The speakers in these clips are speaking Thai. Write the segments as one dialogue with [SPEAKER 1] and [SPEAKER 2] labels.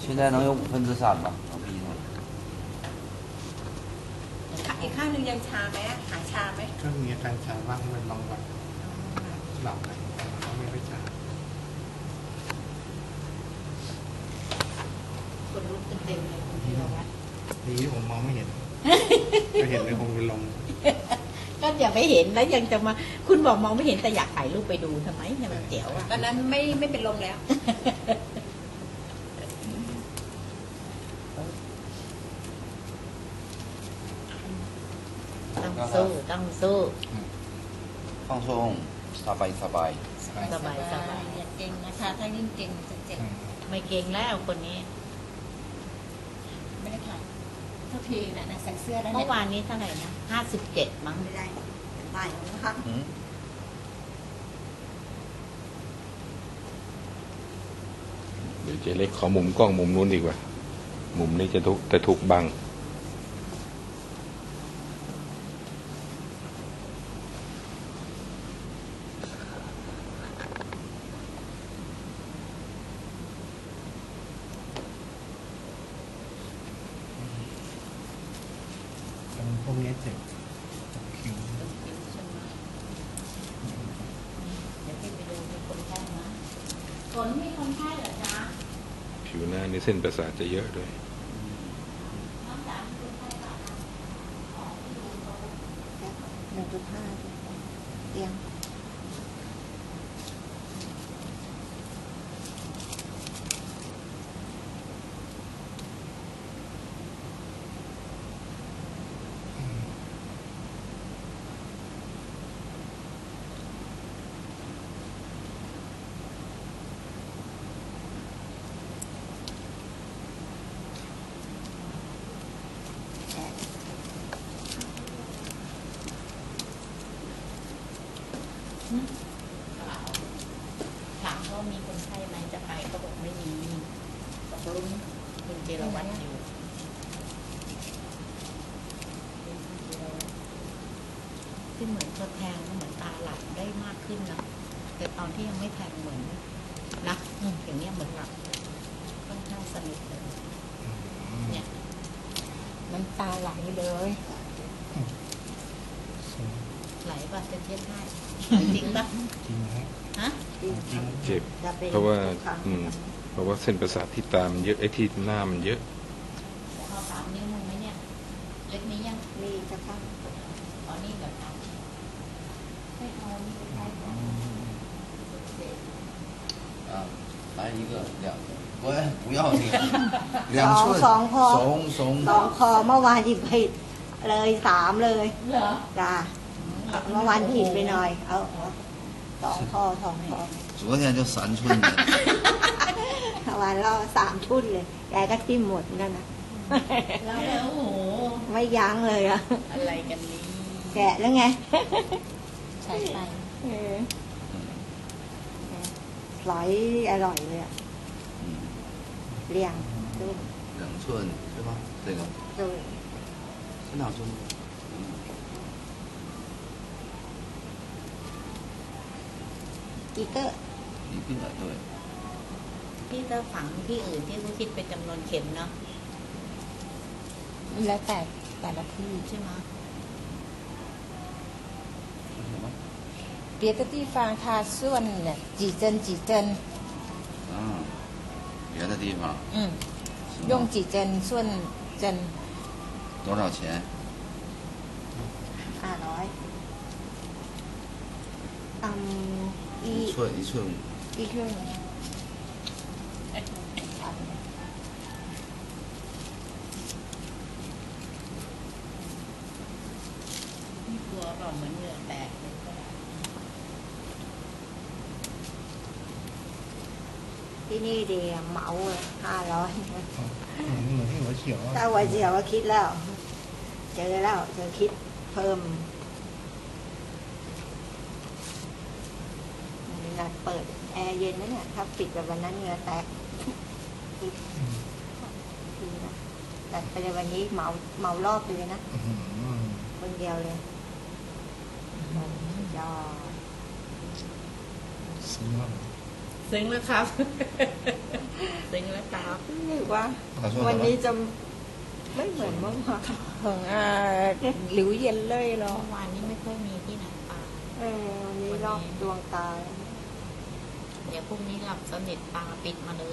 [SPEAKER 1] 现在能有3%吧，老逼呢？
[SPEAKER 2] อีกข้างหนึ่งยังชาไหมหายชาไหม
[SPEAKER 3] ก็มีอาการชาบ้างเป็นบางวันหลับไปก็ไม่ค่อยชา
[SPEAKER 2] คนรู้เต็มเลยคุณธีรวัตร
[SPEAKER 3] ดีที่ผมมองไม่เห็นก็เห็นเลยคงเป็นลม
[SPEAKER 2] ก็อย่าไม่เห็นแล้วยังจะมาคุณบอกมองไม่เห็นแต่อยากถ่ายรูปไปดูทำไมเนี่ยมันเจ๋วอ่ะตอนนั้นไม่เป็นลมแล้วต้องสู้ต้องสู้
[SPEAKER 1] 放松สบาย
[SPEAKER 2] สบายอย่าเก่งนะคะถ้ายิ่งเก่งจะเจ็บไม่เก่งแล้วคนนี้ไม่ได้ถ่ายเท่าทีนะใส่เสื้อแล้วเมื่อวานนี้เท่าไหร่นะ57มั้งไม่ได้ได้แล้วนะคะ
[SPEAKER 4] เดี๋ยวเจ๊เล็กขอมุมกล้องมุมนู้นดีกว่ามุมนี้จะถูกบัง
[SPEAKER 3] พวกนี้เจ็บคิ้ว
[SPEAKER 2] เดี๋ยวพี่ไปดูมีคนไข้นะฝนมีคนไข้เหรอจ๊ะ
[SPEAKER 4] ผิวหน้านี่เส้นประสาทจะเยอะด้วย
[SPEAKER 2] 1.5เตียงถามว่ามีคนไข้ไหมจะไปก็บอกไม่มีบอกลุ้นคุณเจรวัตรอยู่ที่เหมือนพอแทงเหมือนตาหลับได้มากขึ้นนะแต่ตอนที่ยังไม่แทงเหมือนนะอย่างนี้เหมือนหลับค่อนข้างสนิทเลยเนี่ยน้ำตาไหลเลยไหลป่ะจะเทียบให้จริงป่ะ
[SPEAKER 3] จริงฮะ
[SPEAKER 4] เจ็บเพราะว่าเส้นประสาทที่ตามเยอะไอ้ที่หน้ามันเยอะ
[SPEAKER 2] พอ3 นิ้วมึงไหมเนี่ยเล็กนี้ยังมีจะพักอ๋อนี่แบบให้เอานี่ไปได้ก่อน
[SPEAKER 1] 来一个2个喂不要这个2寸
[SPEAKER 5] สองพอ
[SPEAKER 1] 怂
[SPEAKER 5] 2พอเมื่อวานหยิบผิดเลย3เลย
[SPEAKER 2] เหรอ
[SPEAKER 5] จ้าเมื่อวานผิดไปหน่อยเอา2พอ
[SPEAKER 1] 昨天就3寸的
[SPEAKER 5] เมื่อวานเรา3ชุดเลยแกก็ทิ่มหมดนั่นนะ
[SPEAKER 2] แล้วโอ้โห
[SPEAKER 5] ไม่ยั้งเลยอะ
[SPEAKER 2] อะไรกันนี้
[SPEAKER 5] แกะแล้วไง
[SPEAKER 2] ใช่ไป
[SPEAKER 5] ไหลอร่อยเลยอะเลี้ยงดู
[SPEAKER 1] 2寸是吧这个
[SPEAKER 5] ดู
[SPEAKER 1] 是2寸
[SPEAKER 5] อีเตอร์
[SPEAKER 1] 一个对
[SPEAKER 2] ที่เตอร์ฝังที่อื่นที่เขาคิดเป็นจำนวนเข็มเนาะ
[SPEAKER 5] แล้วแต่ละที่
[SPEAKER 2] ใช่ไหม
[SPEAKER 5] 别的地方它算几针
[SPEAKER 1] 别的地方
[SPEAKER 5] 用几针算针
[SPEAKER 1] 多少钱
[SPEAKER 5] 500
[SPEAKER 1] 一寸
[SPEAKER 5] 一寸
[SPEAKER 2] กลัวเปล่าเหมือนเหงื่อแตก
[SPEAKER 5] ที่นี่ดีเหมา500
[SPEAKER 3] เหมือนที่หัวเฉียว
[SPEAKER 5] ถ้าหัวเฉียวก็คิดแล้วเจอแล้วเธอคิดเพิ่มเปิดแอร์เย็นนะเนี่ยถ้าปิดแบบวันนั้นเหงื่อแตกดีนะแต่ไปในวันนี้เหมารอบเลยนะคนเดียวเลยยอด
[SPEAKER 3] ซื้อมา
[SPEAKER 2] ซึ้งแล้วครับ ซึ้งแล้วครับ
[SPEAKER 5] หรือว่า
[SPEAKER 1] 他说
[SPEAKER 5] วัน
[SPEAKER 1] 什
[SPEAKER 5] นี้
[SPEAKER 1] 么？
[SPEAKER 5] จะไม่เหมือนเมื่อวานของหลิวเย็นเลยเหรอ
[SPEAKER 2] เมื่อวานนี้ไม่ค่อยมีที่ไหนป่า
[SPEAKER 5] วันนี้รอบดวงตา
[SPEAKER 2] เดี๋ยวพรุ่งนี้หลับสนิทตาปิดมาเลย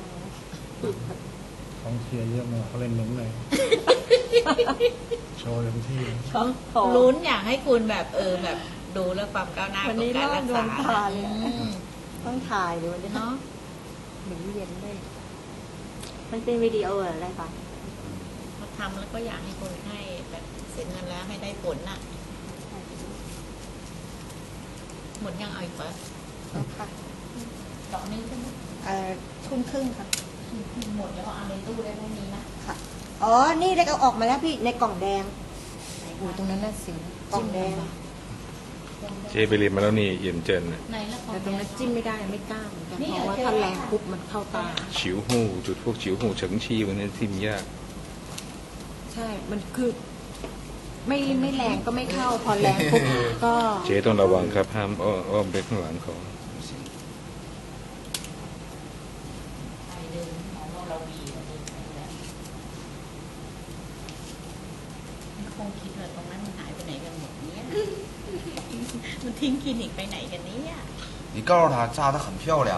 [SPEAKER 3] กองเชียร์เยอะมากเขาเล่นเน้นเลย โชว์เต็มที่
[SPEAKER 2] ลุ้นอยากให้คุณแบบแบบดูแล้วความก้าวหน้า
[SPEAKER 5] วัน
[SPEAKER 2] ของ
[SPEAKER 5] นี้
[SPEAKER 2] การ
[SPEAKER 5] รอ
[SPEAKER 2] รับ ก
[SPEAKER 5] ดว
[SPEAKER 2] ษาง
[SPEAKER 5] ตาเลย ต้องถ่ายเลยวันนี้
[SPEAKER 2] เนาะ
[SPEAKER 5] หลิวเย็นเลยมันเป็นวิดีโออะไรปะ
[SPEAKER 2] มาทำแล้วก็อยากให้คนไข้แบบเสร็จงานแล้วให้ได้ผลน่ะ หมดยังเอาอีกปะ
[SPEAKER 5] ค่ะ
[SPEAKER 2] ดอกนี้ใช่ไหม
[SPEAKER 5] ทุ่มครึ่งค่ะ
[SPEAKER 2] หมดแล้วก็เอาในตู้ได้พรุ่งนี้นะ
[SPEAKER 5] ค่ะ อ๋อ นี่ได้เอาออกมาแล้วพี่ในกล่องแดงโอ้ตรงนั้นน่ะสิกล่องแดง
[SPEAKER 4] เจ๊ไปเรียนมาแล้วนี่เย็นเจินน่ะ
[SPEAKER 2] ในละคร
[SPEAKER 5] แต่ตรงนั้นจิ้มไม่ได้ไม่กล้าเหมือนกันเพราะว่าถ้าแรงปุ๊บมันเข้าตา
[SPEAKER 4] ฉิวหูจุดพวกฉิวหูเฉิงชีวันนี้ที่มียาก
[SPEAKER 5] ใช่ มันคือ ไม่แรงก็ไม่เข้า พอแรงปุ๊บก็
[SPEAKER 4] เจ๊ต้องระวังครับห้ามอ้อมไปข้างหลังเขา
[SPEAKER 2] ไปเดินมองว่าเราวีเราเดินไปแล้วมันคงคิดว่าตรงนั้นมันหายไปไหนกันหมดเนี่ย มันทิ้งคลินิกไปไหนกันเนี่ย
[SPEAKER 1] 你告诉他扎的很漂亮。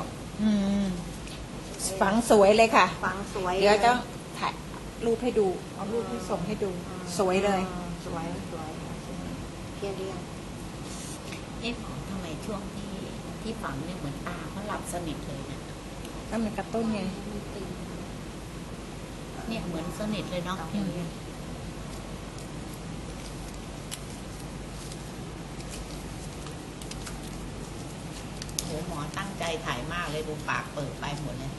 [SPEAKER 5] ฝังสวยเลยค่ะ
[SPEAKER 6] ฝังสวย
[SPEAKER 5] เดี๋ยวจะถ่ายรูปให้ดู เอารูปให้ส่งให้ดู สวยเลย
[SPEAKER 6] สวยสวยเพียงเรียง
[SPEAKER 2] เอ๊ะหมอทำไมช่วงที่ฝังเนี่ยเหมือนตาเขาหลับสนิทเลยนะ
[SPEAKER 5] ก็มันกระตุ้นไง
[SPEAKER 2] เนี่ยเหมือนสนิทเลยเนาะอย่างเงี้ยโหหมอตั้งใจถ่ายมากเลยดูปากเปิดไปหมดเลย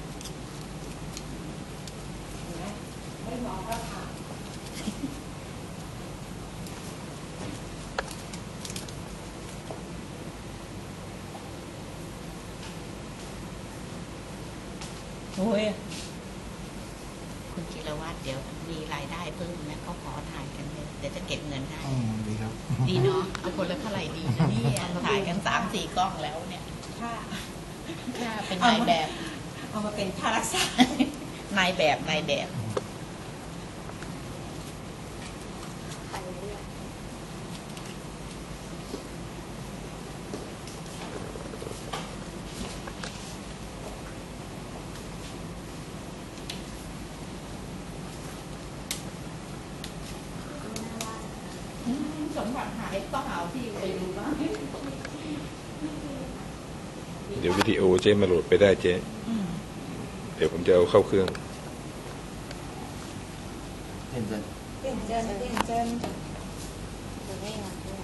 [SPEAKER 5] ไม่มองก็ถ่าย
[SPEAKER 2] โอ้ยคุณจิรวัตรเดี๋ยวมีรายได้เพิ่มนะเขาขอถ่ายกันเลยเดี๋ยวจะเก็บเงินให้
[SPEAKER 3] ดีครับ
[SPEAKER 2] ดีเนาะเอาคนละเท่าไหร่ดีนะเนี่ยถ่ายกัน3-4 กล้องแล้วเนี่ย
[SPEAKER 5] ค่ะ
[SPEAKER 2] ถ้าเป็นนายแบบ
[SPEAKER 5] เอามาเป็นค่ารักษา
[SPEAKER 2] นายแบบนายแบบ
[SPEAKER 6] ไปเรื่อย
[SPEAKER 2] สมบัติหายต้องเอาที่ไปดูบ้าง
[SPEAKER 4] เดี๋ยววิดีโอเจ๊มาโหลดไปได้เจ๊เดี๋ยวผมจะเอาเข้าเครื่อง
[SPEAKER 1] 认真。
[SPEAKER 5] เต้นเจนเต้นเจน
[SPEAKER 6] จะได้งานด้วย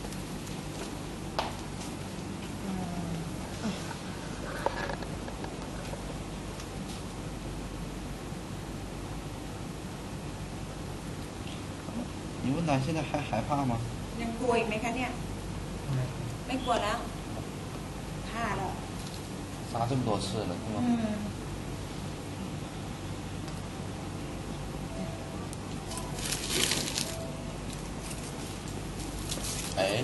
[SPEAKER 1] 你问他现在还害怕吗？
[SPEAKER 5] ยังกลัวอีกไหมคะเนี่ย ไม่กลัวแล้วฆ่าแล้ว
[SPEAKER 1] 扎这么多次了，是吗？哎，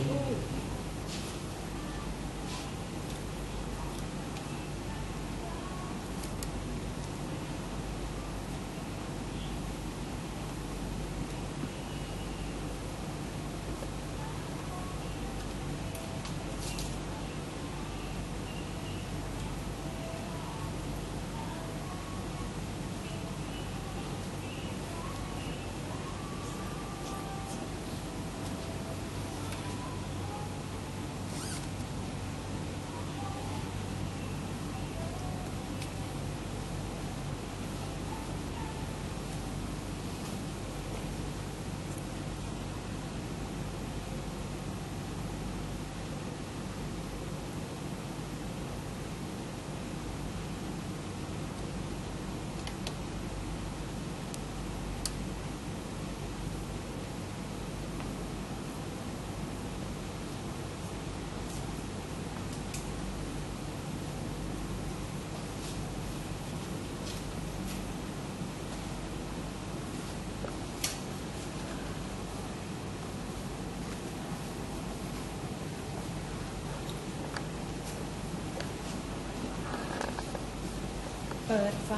[SPEAKER 2] ปิดไฟ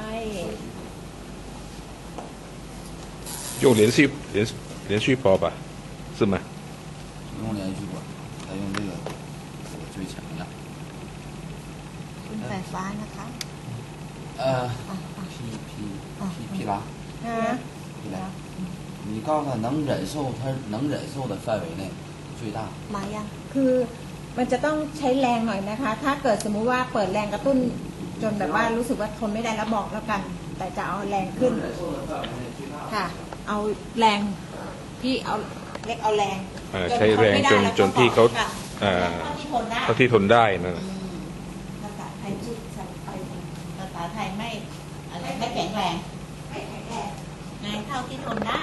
[SPEAKER 4] 用连续包吧，是吗？
[SPEAKER 1] 不用连续管，它用这个最强的。
[SPEAKER 5] ขึ้นไฟฟ้านะคะ
[SPEAKER 1] 皮拉，
[SPEAKER 5] ฮะ
[SPEAKER 1] 皮拉，你告诉他能忍受的范围内最大。
[SPEAKER 5] มายัง
[SPEAKER 2] คือมันจะต้องใช้แรงหน่อยนะคะ ถ้าเกิดสมมุติว่าเปิดแรงกระตุ้นจนแบบว่ารู้สึกว่าทนไม่ได้แล้วบอกแล้วกัน แต่จะเอาแรงขึ้น ค่ะ เอาแรงพี่เอาเล็กเอาแรง
[SPEAKER 4] ใช้แรงจนพี่เขา
[SPEAKER 2] เท่าที่ทนได้
[SPEAKER 4] เท่าที่ทนได้นั่นน่ะ
[SPEAKER 2] ภาษาไทยชื่อภาษาไทยไม่อะไรไม่แข็งแรงไม่แข็งแรงไงเท่าที่ทนได้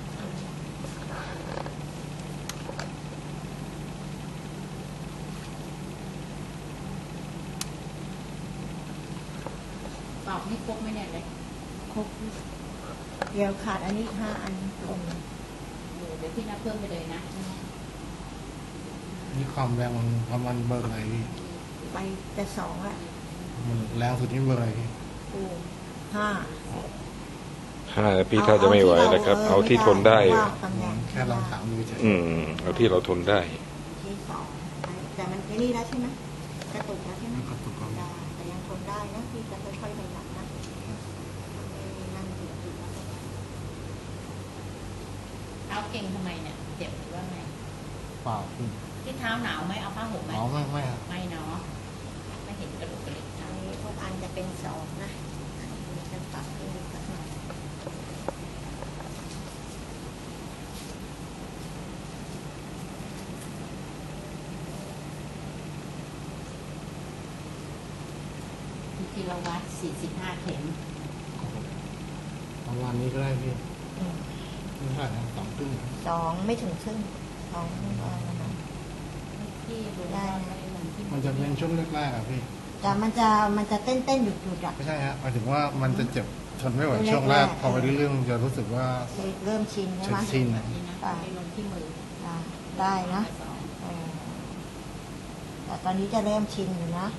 [SPEAKER 2] ตอบไม่ครบไหมเนี่ยเลย
[SPEAKER 5] ครบเดี๋ยวขาดอันนี้5 อันตรง
[SPEAKER 2] เดี๋ยวพี่นับเพิ่มไปเลยนะ
[SPEAKER 3] นี่ความแรงมันประมาณเบอร์อะไรพี่
[SPEAKER 5] ไปแต่2ละ
[SPEAKER 3] มันแรงสุดที่เบอร์อะไรพี่
[SPEAKER 5] กู5
[SPEAKER 4] 5พี่ถ้าจะไม่ไหวแล้วครับ เอาที่ทนได้
[SPEAKER 5] ว่าตำแหน่ง
[SPEAKER 3] แค่ลองถามดูเฉย
[SPEAKER 4] เอาที่เราทนได้
[SPEAKER 5] ที่2แต่มันไอ้นี่แล้วใช่ไหมกระตุกแล้วใช่ไหม
[SPEAKER 3] มันกระตุกก็
[SPEAKER 5] ได้แต่ยังทนได้นะพี่จะค่อยๆขยับนะนั่งอยู่
[SPEAKER 2] เท้าเก่งทำไมเนี่ยเจ็บหรือว่าไง
[SPEAKER 3] เปล่าพี่
[SPEAKER 2] ที่เท้าหนาวไหมเอาผ้าห่มไหม
[SPEAKER 3] อ๋อไม่อะ
[SPEAKER 2] ไม่เนาะไม่เห็นกระดูกกระดิก
[SPEAKER 5] อันนี้ทุกอันจะเป็น2นะจะปรับให้ดูสักหน่อย
[SPEAKER 2] กิโลวัตต์45 เข็ม
[SPEAKER 3] ประมาณนี้ก็ได้พี่ไม่ใช่นะ2 ครึ่ง
[SPEAKER 5] 2ไม่ถึงครึ่ง2ประมาณ
[SPEAKER 2] ที่รู้ว่าไม่ได้ลงที่
[SPEAKER 3] มันจะเป็นช่วงแรกๆอะพี่
[SPEAKER 5] แต่มันจะเต้นหยุดๆอ่ะ
[SPEAKER 3] ไม่ใช่ฮะหมายถึงว่ามันจะเจ็บทนไม่ไหวช่วงแรกพอไปเรื่อยๆมันจะรู้สึกว่า
[SPEAKER 5] เริ่มชินใช่ไหม
[SPEAKER 3] ชิน
[SPEAKER 2] แบบนี้นะไม่ลงที่มือ
[SPEAKER 5] ได้นะแต่ตอนนี้จะเริ่มชินอยู่นะ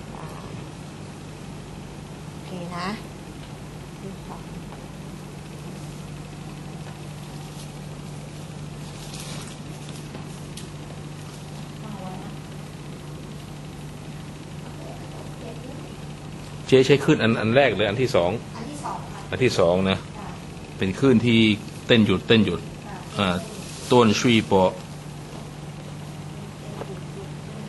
[SPEAKER 5] โอเคนะที่สอง
[SPEAKER 2] เอาไว้นะ
[SPEAKER 4] เจ๊ใช้คลื่นอันแรกเลยอันที่สอง
[SPEAKER 5] อันที่สองค่ะ
[SPEAKER 4] อันที่สองนะ เป็นคลื่นที่เต้นหยุดต้นชุยปอ